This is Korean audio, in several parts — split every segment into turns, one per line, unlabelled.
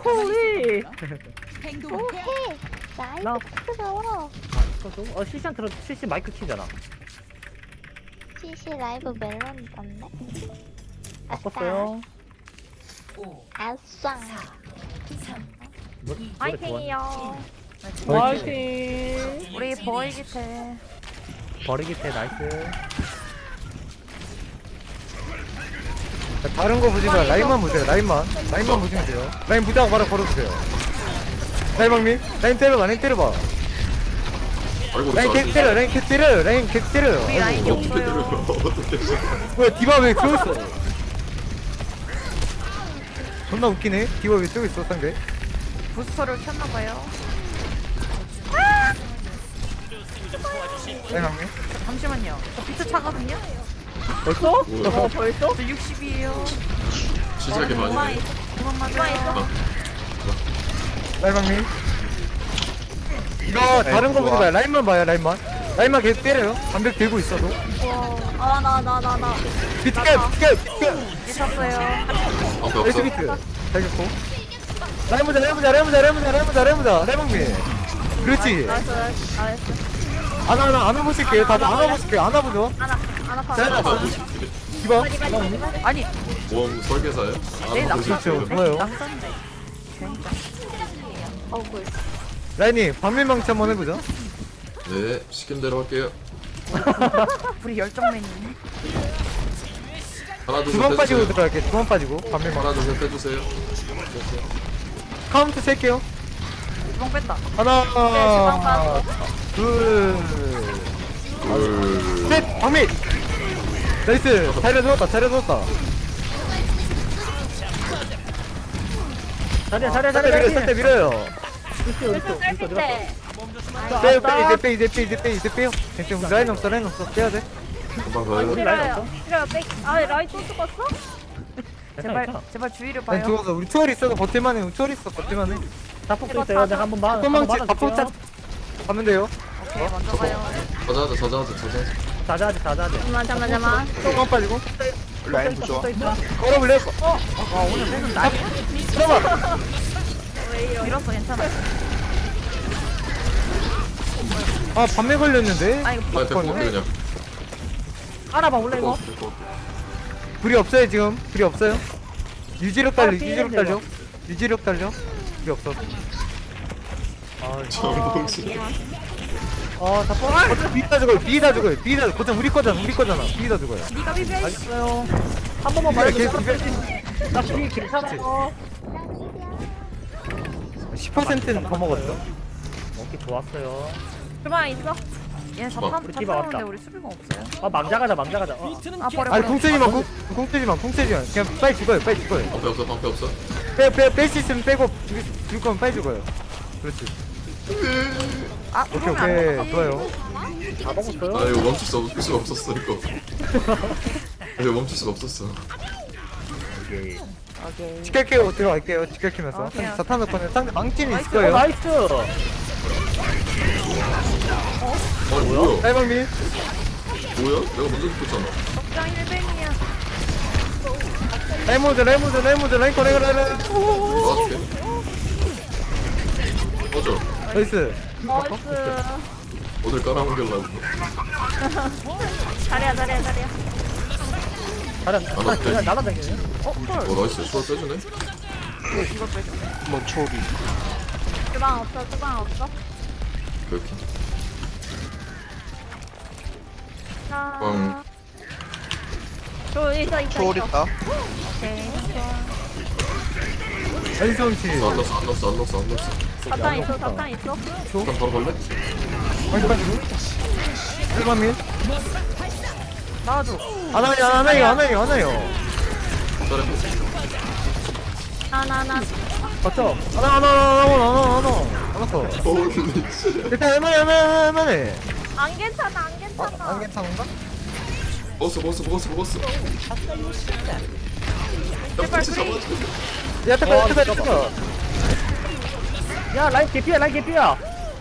호리.
오케이.
나-
나이스 부끄러워.
실시한 틀어 실시 마이크 키잖아.
CC 라이브 멜론 떴네.
바꿨어요.
아싸.
화이팅이요.
화이팅.
우리 버이기태.
버리기 때 나이스.
다른 거 보지 마. 라인만 보세요. 라인만 보시면 돼요. 라인 보자고 바로 걸어주세요. 라인 방미. 라인 때려봐. 라인 때려봐.
아이고
라인 개 때려. 라인 개 때려. 라인 개 때려.
우리 라인이
어떻게 때려요?
없어요.
어떻게
뭐야 디바 왜 저기 있어? 존나 웃기네. 디바 왜 저기 있어 상대?
부스터를 켰나봐요.
라인 방미.
잠시만요. 저 비트 차거든요.
벌써?
뭐야?
벌써?
저 60이에요.
시작이 많이 돼.
그만 맞아요.
라인 방미. 이거 다른 거 보지 마. 라인만 봐요. 라인만 계속 때려요. 반백 들고 있어도.
나.
비트캡.
미쳤어요.
방패
에이스
없어?
비트. 잘 잡고. 라인 보자. 라인 방미. 그렇지.
나이스.
안아 보실게요. 다들 안아 보실게요. 안아 보죠.
안 아파.
잘
아,
잡았어.
뭐지?
디바.
아니,
모험 설계사예요?
내 낙서.
그렇죠. 좋아요.
낙서인데.
억울.
라인이 반면망치 한번 해보자.
네, 시킨 대로 할게요.
우리 열정맨이네.
하나
두
둘셋
번 빠지고
해주세요.
들어갈게. 두 번 빠지고 반면망.
하나 둘셋 해주세요.
카운트 셀게요.
주방 뺐다.
하나, 둘,
둘.
셋. 방미. 나이스. 잘해줬다.
잘해.
살때 밀어요.
네.
이제 빼요. 괜찮아. 라인 없어. 빼야 돼.
금방 가요.
우리 라인 없어?
라인 또 죽었어? 제발 주의를
라인
봐요.
죽어서 우리 투얼 있어도 버틸만해. 버틸만해.
자폭도 있어요. 내가 한번 봐.
소망치 자폭 가면 돼요.
오케이, 먼저 가요.
자자하자.
자자하지.
잠깐만.
소망 빠지고.
라인 부좋아.
걸어볼래요?
오늘 빼는 날이
잠깐만.
밀었어, 괜찮아.
아 밤에 걸렸는데.
아, 이거
빨리 데리고 올게 그냥.
알아봐 원래
데리고
이거.
올게, 데리고 올게.
불이 없어요 지금. 불이 없어요. 유지력 달려.
피해야
유지력 달려. 불이 없어.
정봉신.
자폭.
비다 죽어요. 비다 거참 우리 거잖아. 비다 죽어요.
니가 비벼.
알겠어요. 한 번만 말해줘. 나 뒤에 괜찮아.
10%는 더 먹었어.
오케이 좋았어요.
주방 있어? 얘
주방.
자탄
디바 왔다.
자탄인데 우리 수비가 없어요.
망자가자.
아, 버려.
아니 공 떼지마. 그냥 빨리 죽어요.
방패 없어.
뺄 수 있으면 빼고 죽을 거면 빨리 죽어요. 그렇지.
아,
오케이
그러면 안 먹지.
좋아요.
다 먹었어요.
아 이거 멈출 수가 없었어 이거. 이거 멈출 수가 없었어.
오케이.
오케이.
지켜키고 들어갈게요. 지켜키면서
오케이.
자탄 넣고는 상대 망치는 있을
나이스.
거예요.
나이스.
아니 뭐야?
딸방미
내가 먼저 죽었잖아.
적장 1뱅이야.
라이모드 라인
나와줄게. 꺼져.
나이스.
나이스.
오늘 깔아먹으려고.
잘해야.
날아다니네.
어 나이스. 수월 빼주네.
이거 빼줘.
뭐 초비.
주방 없어.
그렇게.
자.
빵.
있어.
초월 있다.
오케이.
나이스 망치.
안 넣었어.
자탄 있어.
일단 바로 걸래?
망치 빠지고. 딸방미
나와줘.
하나요.
잘해.
하나.
거쳐.
하나.
홀리 씨.
일단 할만해.
안 괜찮아.
안 괜찮은가?
먹었어.
제발
잡아.
프리.
야 잠깐.
야 라인 개피야.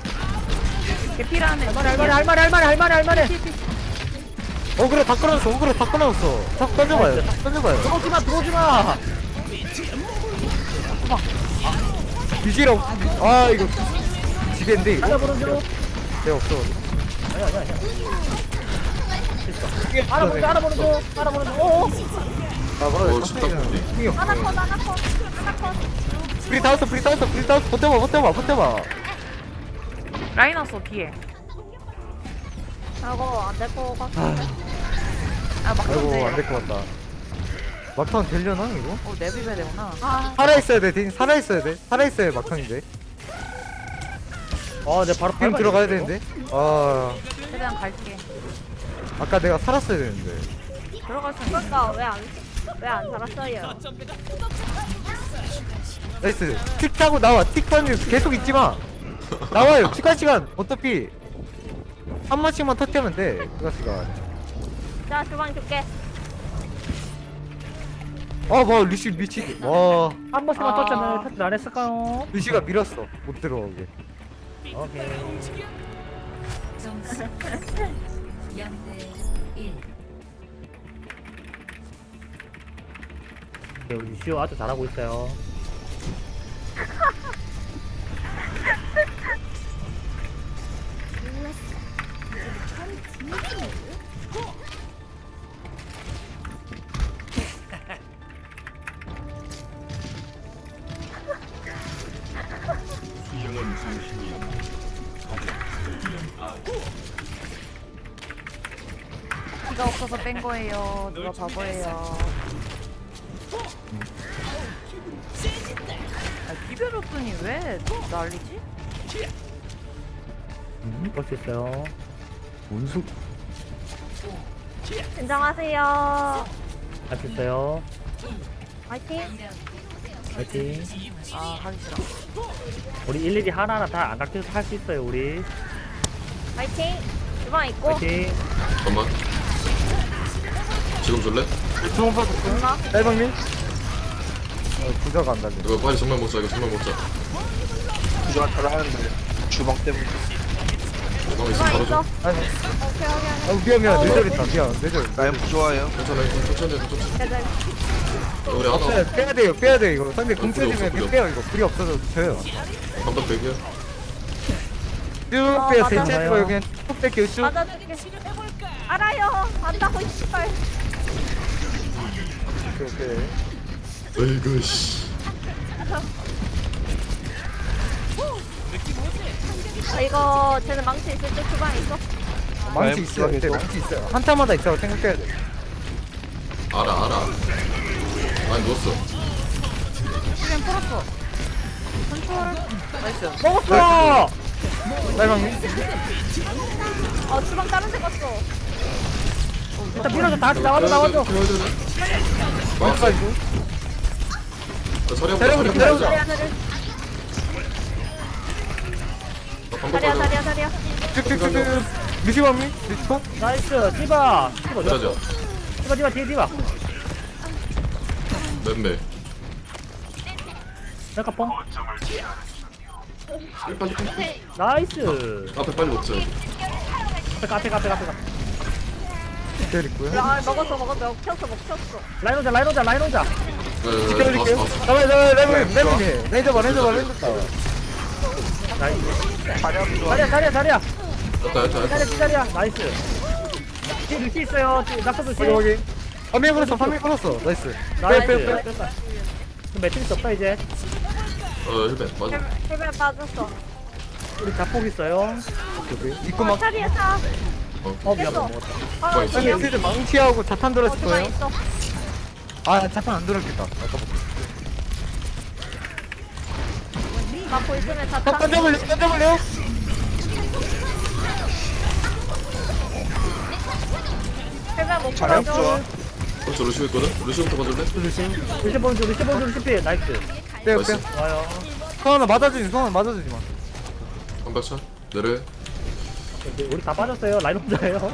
개피라네.
할만해.
어그로 다 끊어졌어. 탁 던져봐요.
들어오지 마.
미시라 없. 아 이거 지겠는데 이거.
하나 보는 중.
내 없어.
아니야 아니야 아니야. 하나 보는 중 하나 보는 중 하나 보는 중. 오.
아 뭐라
어, 쉽다, 근데.
힘이 없어.
하나 컷 하나 컷 하나 컷.
프리 타웠어 프리 타웠어 프리 타웠어 버텨봐.
라인 왔어 뒤에.
저거 안될 거 같은데.
아 막상
아이고
돼.
안 될 것 같다. 막판 되려나 이거?
어 내비벼야 되구나.
아
살아 있어야 돼. 대신 살아 있어야 돼. 살아 있어야 막판인데.
내 바로
지금 들어가야 되는데. 아
최대한 갈게.
아까 내가 살았어야 되는데.
들어갈 수 있는.
그러니까 왜안 살았어요?
나이스. 틱 타고 나와. 틱 타면 계속 있지 마. 나와요. 추가 시간 어차피 한 번씩만 터치하면 돼. 추가 시간.
자 주방 줄게.
뭐 리시 미치. 와
한 번씩만
아.
터치하면 터치 안 했을까요?
리시가 밀었어. 못 들어오게.
오케이.
점수 0대 1.
네, 우리 시오 아주 잘하고 있어요.
피가 없어서 뺀 거예요. 누가 바보예요. 아 비벼줬더니 왜 난리지?
볼 수 있어요.
원수.
진정하세요.
할 수 있어요.
화이팅.
파이팅.
아 하기 싫어.
우리 일일이 하나하나 다 안 깎여서 할 수 있어요 우리.
화이팅. 주방 있고.
파이팅.
잠깐만. 지금 줄래?
주문 받았어. 딸방님. 부자가 안 달려.
이거 빨리 정말 먹자. 이거 정말 먹자.
부조가 잘하는데 주방 때문에.
주방 있으면 바로
있어.
줘.
아니.
오케이
미안 내절했다. 미안 내절.
라인 부조화예요.
괜찮아. 이거 천천히 해. 천천히. 해. 우리 하나.
없어요. 빼야 돼요 이거. 상대 공
불이
쳐지면
없어, 불이
빼요 이거. 불이 없어서 져요.
반박 100이야.
쭉 빼요.
맞아.
대체하지 말고 그냥 쭉 뺄게요 쭉.
맞아줄게. 알아요. 안다고 씨발.
오케이.
어이구 씨.
이거 쟤는 망치 있을 때 주방 있어?
망치
라인
있어요. 네,
부족해서.
망치 있어요. 한타마다 있다고 생각해야 돼.
알아. 많이 누웠어.
그냥 풀었어. 컨트롤. 나이스.
먹었어.
딸방님.
주방 다른 데 갔어.
일단 밀어줘. 다 같이 나와줘.
막았어. 서리
데려오자,
한번
데려오자.
자리야 자리야
반박
자리야
가자.
자리야 자리야.
쭉쭉쭉쭉. 미시방님. 미시방.
나이스. 디바. 디바
가자.
좋았어. 디바 뒤에 디바.
맴매.
잠깐 뽕.
빨리.
나이스.
앞에 빨리 먹자.
앞에.
텔 있고요.
먹었어. 켰어.
라인 오자.
지켜드릴게요.
봤어.
잡아요. 레몬님. 레인저 봐.
자리야 부조화.
자리야.
됐다.
기다려. 나이스. 뒤에 루시 있어요. 낙서 조심.
여기. 파밍 걸었어. 나이스.
나이스.
빼.
그럼 매트리스 없다 이제.
힐벤 맞아.
헬멧 빠졌어.
우리 자폭 있어요.
입고 막.
자리에 사.
미안 못 먹었다.
주방 있어.
아니 애들 망치하고 자탄 들었을
주방
거예요.
있어.
아 자탄 안 들었겠다. 아까부터.
막고 있으면 다 타.
던져볼래요?
헬멧 못
자리야
풀어줘.
부조화.
그렇죠. 루시오 있거든. 루시오부터 봐줄래?
루시 본주 루시 나이스.
빼요.
나이스.
와요.
성환아 맞아주지 마.
반박차. 내려.
우리 다 빠졌어요. 라인 혼자예요.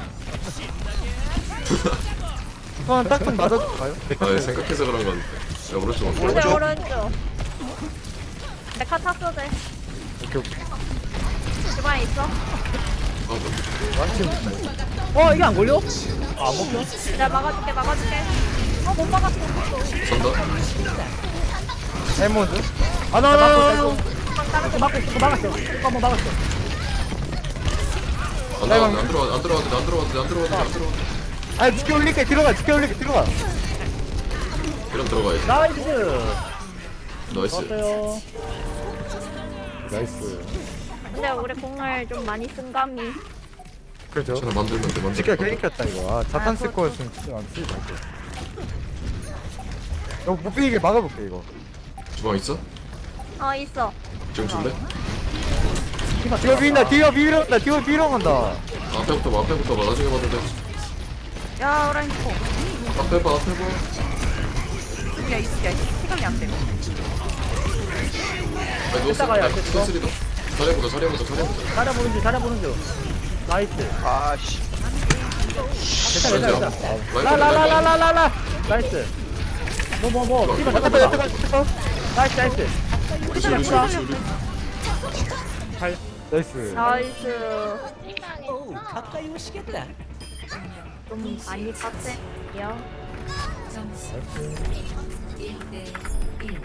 성환아 딱 좀 맞아줄까요?
아 생각해서 그런 건. 야 오른쪽.
오른쪽. 내카 탔어 돼.
오케이.
주방에 있어.
이게 안 걸려? 안 먹혀?
내가 막아줄게. 못 막았어.
산다.
에몬드. 하나.
다른 데 막고 있어. 그거 막았어. 그거 한번 막았어.
안 들어가도 안 들어가도 안 들어가도 안 들어가도 안 들어가도 안 들어가도.
아 지켜 올릴게 들어가 들어가.
그럼 들어가야지.
나이스.
나이스.
좋았어요.
나이스.
근데 우리 공을 좀 많이 쓴 감이.
그렇죠.
괜찮아 만들면 돼
지켜
만들면 돼.
괜히 켰다 이거. 아 자탄 쓸 거였으면 진짜 안 쓰지 말고. 이거 못 비게 막아볼게 이거.
주방 있어?
있어.
지금 줄래?
뒤로 비빈다 뒤로 비빈다 뒤로 비빈다.
앞에부터 봐 앞에부터 봐 나중에 봐도 돼.
야 라인 코.
앞에 봐 앞에 봐.
야 이게 시간이 안 돼.
아니 누웠어.
이따가요,
아니,
이따가.
스리도. 잘해보자.
잘해보는 중, 잘해보는 중. 나이스.
아씨.
괜찮아. 라라라라라라. 나이스. 뭐. 씨발, 잠깐만. 나이스.
우리 우리.
나이스.
나이스. 좀 많이 빡세요.
점수 1대 1.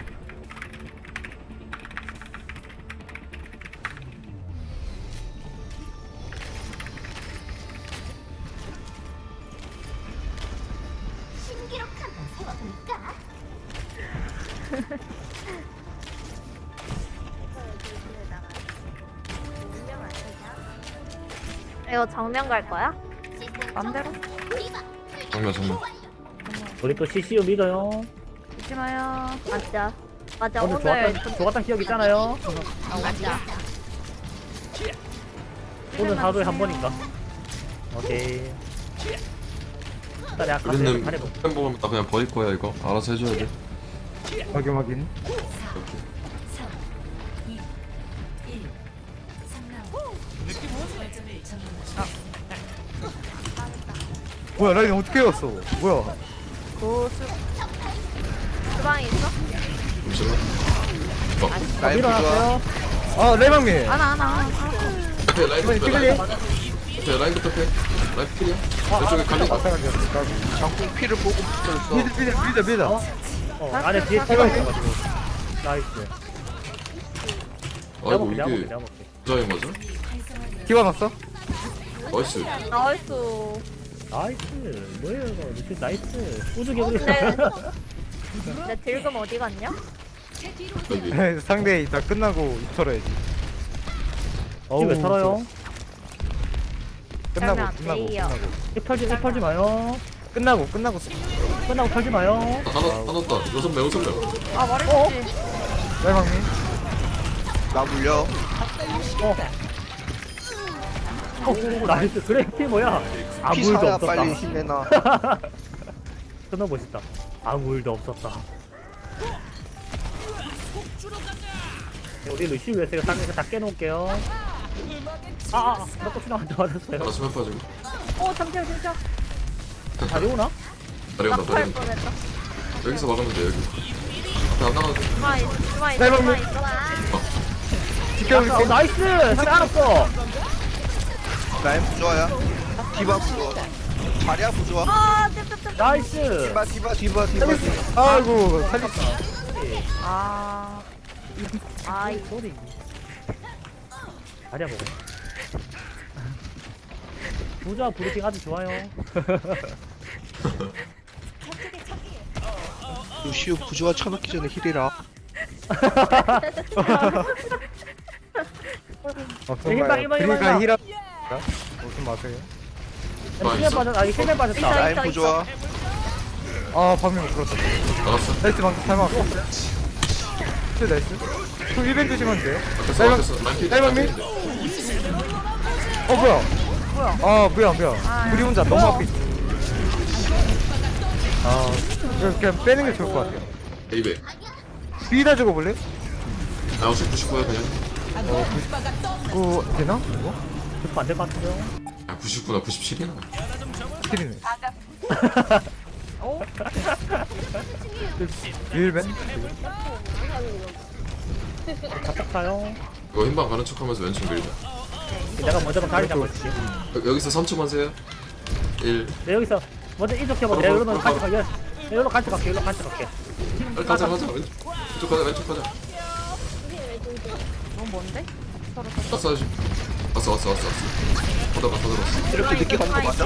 이거 정면 갈 거야?
맘대로.
정면.
우리 또 CCU 믿어요.
잊지 마요.
맞아.
오늘
오늘
좋았던 기억 있잖아요.
맞아.
오늘 하루에 한 번인가? 오케이. 일단 내가 가서
우리는
잘해볼게.
팬 보면 나 그냥 버릴 거야 이거. 알아서 해줘야 돼.
확인.
3, 2, 1. 3라운드. 결점을 점령하십시오.
뭐야 라인 어떻게 왔어? 뭐야?
주방에 있어?
잠시만.
라인 부좋아.
일어났어요.
아 레방미.
하나.
앞에 라인부터
찍을래?
앞에 라인부터 패. 라인 필이야. 왼쪽에 갈리.
장풍 피를 보고 붙었어.
믿어.
안에 뒤에 차가 있어가지고. 나이스.
아이고
내가
이게
볼게.
부자인 거죠?
기와 났어?
나이스.
나이스.
나이스. 뭐예요 이거. 루시 나이스. 꾸준히 우리.
내 딜금 어디 갔냐?
여기.
상대 다 끝나고 털어야지.
왜 털어요?
그러면 안 돼요.
입 털지 마요.
끝나고
끝나고 털지 마요.
하나 더. 6명.
아 말해줬지.
레방미.
나 물려.
나이스. 그래 피 뭐야? 아무
피
일도
사야
없었다.
빨리 힘내놔.
존나 멋있다. 아무 일도 없었다. 우리 루시 웨스가 땅에서 다 깨놓을게요. 나 꽃이랑한테 맞았어요.
하나 수면 빠지고.
잠시만.
다리 오나?
다리온다
낙할
다리온다.
뻔했다.
여기서 막으면 돼 여기. 앞에 안 나가도 돼.
주방에 있어.
지켜볼게.
나이스! 상대 알았어!
라인 부좋아야. 디바 부좋아. 자리야 부좋아.
나이스!
디바.
아이고 살렸어.
아이,
소리. 다리야 먹어. 부자 브리핑 아주 좋아요.
루시우 부좋아 쳐넣기 전에 힐이라.
일방.
그러니까 힐업. 무슨 마세요?
아, 있어?
힐맨 빠졌다.
라인 부좋아.
아 방금 들었다.
나갔어.
나이스 방금 잘 막았고. 나이스. 그 1벤 주시면 돼.
앞에서 라인 필.
라인 필? 뭐야? 아 뭐야. 우리 혼자 너무 앞에 있어. 그냥 빼는 게 좋을 것 같아요.
에이베.
비다 주고 볼래?
나 99야 그냥.
되나? 이거?
안될 것 같은데요?
야 99나 97이나.
스킬이네. 1벤?
잡작타요.
이거 흰방 가는 척하면서 왼쪽 밀자.
내가 먼저 다리 잡아줄게.
여기서 3초만 세요. 1.
내 여기서 먼저 이쪽 해봐. 내가 이러면 같이 갈게. 여기로 같이 갈게.
빨리 가자. 왼쪽 가자.
뭔데? 서로
왔어 왔어. 받아봐.
이렇게 늦게 가는 거 맞아?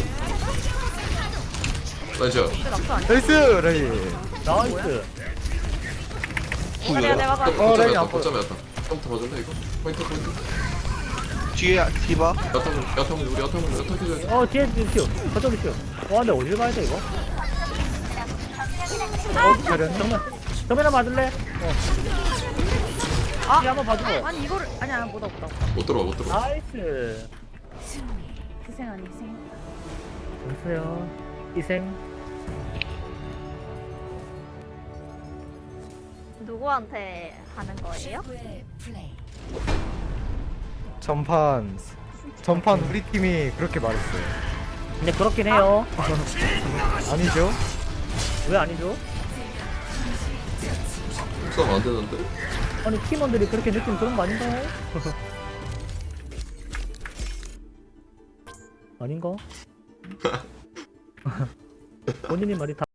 나이스.
낙수 아니야?
나이스 라인.
나이스.
아니야 내가 봐.
라인 안
거점에 왔다. 처음부터 봐줄래 이거? 포인트.
뒤에 디바.
야타면 우리 야타해줘야
어 뒤에 슈. 저쪽에 슈. 와 근데 어딜 가야 돼 이거?
잘했네.
정면아 맞을래?
아!
뒤 한번 봐줘.
아니 이거를 아니야 못 없다.
못 들어와.
나이스.
희생 아니 희생.
보세요. 희생.
누구한테 하는 거예요?
최고의 플레이.
전판 우리 팀이 그렇게 말했어요.
근데 그렇긴 해요.
아니죠?
왜 아니죠?
싸움 안 되는데?
아니 팀원들이 그렇게 느끼면 그런 거 아닌가요? 아닌가? 본인이 말이 다